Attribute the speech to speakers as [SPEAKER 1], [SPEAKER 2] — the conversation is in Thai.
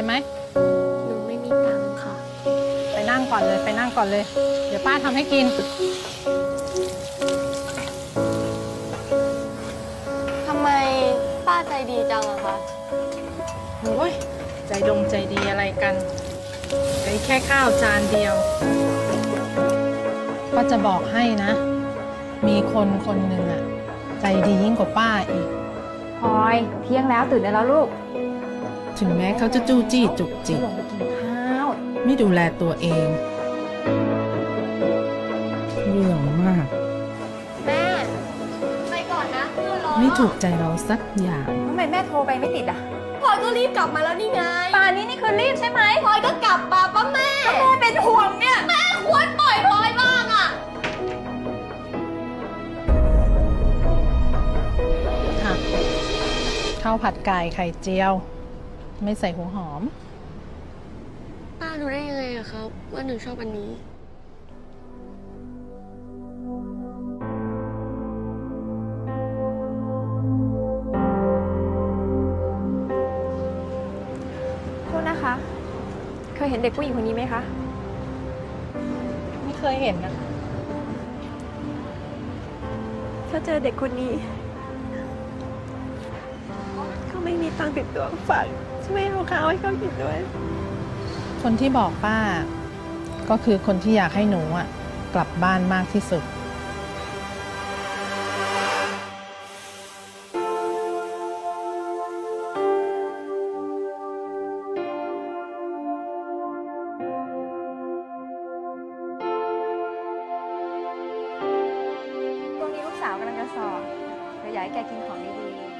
[SPEAKER 1] ไหม
[SPEAKER 2] หนูไม่มีตังค์ค่ะ
[SPEAKER 1] ไปนั่งก่อนเลยไปนั่งก่อนเลย เดี๋ยวป้าทำให้กิน
[SPEAKER 2] ทำไมป้าใจดีจังอะคะ
[SPEAKER 1] โอ้ยใจดงใจดีอะไรกันไอ้แค่ข้าวจานเดียวก็จะบอกให้นะ มีคนคนหนึ่งอะใจดียิ่งกว่าป้าอีก
[SPEAKER 3] พลอยเที่ยงแล้วตื่นได้แล้วลูก
[SPEAKER 1] ถึงแม้เขาจะจู้จี้จุกจิก
[SPEAKER 3] ลงไปกินข้าว
[SPEAKER 1] ไม่ดูแลตัวเองเรื่องมาก
[SPEAKER 2] แม่ไปก่อนนะเพื่อนรอ
[SPEAKER 1] ไม่ถูกใจเราสักอย่าง
[SPEAKER 3] ทำไมแม่โทรไปไม่ติดอ่ะ
[SPEAKER 2] พลอยก็รีบกลับมาแล้วนี่ไง
[SPEAKER 3] ป่านนี้นี่คือรีบใช่ไหม
[SPEAKER 2] พลอยก็กลับมาป้าแม่
[SPEAKER 3] แม่เป็นห่วงเนี่ย
[SPEAKER 2] แม่ควรปล่อยพลอยบ้างอะ
[SPEAKER 1] ค่ะข้าวผัดไก่ไข่เจียว ไม่ใส่หัวหอม
[SPEAKER 2] ป้ารู้ได้ยังไงอะครับว่าหนูชอบอันนี้
[SPEAKER 3] โทษนะคะ เคยเห็นเด็กผู้หญิงคนนี้ไหมคะ
[SPEAKER 1] ไม่เคยเห็นนะ
[SPEAKER 3] ถ้าเจอเด็กคนนี้เขาไม่มีตังค์ติดตัวฝากช่วยเอาข้าวให้เขากินด้วย
[SPEAKER 1] คนที่บอกป้าก็คือคนที่อยากให้หนูอ่ะกลับบ้านมากที่สุด
[SPEAKER 3] ช่วงนี้ลูกสาวกำลังจะสอบเธออยากให้แกกินของดีๆ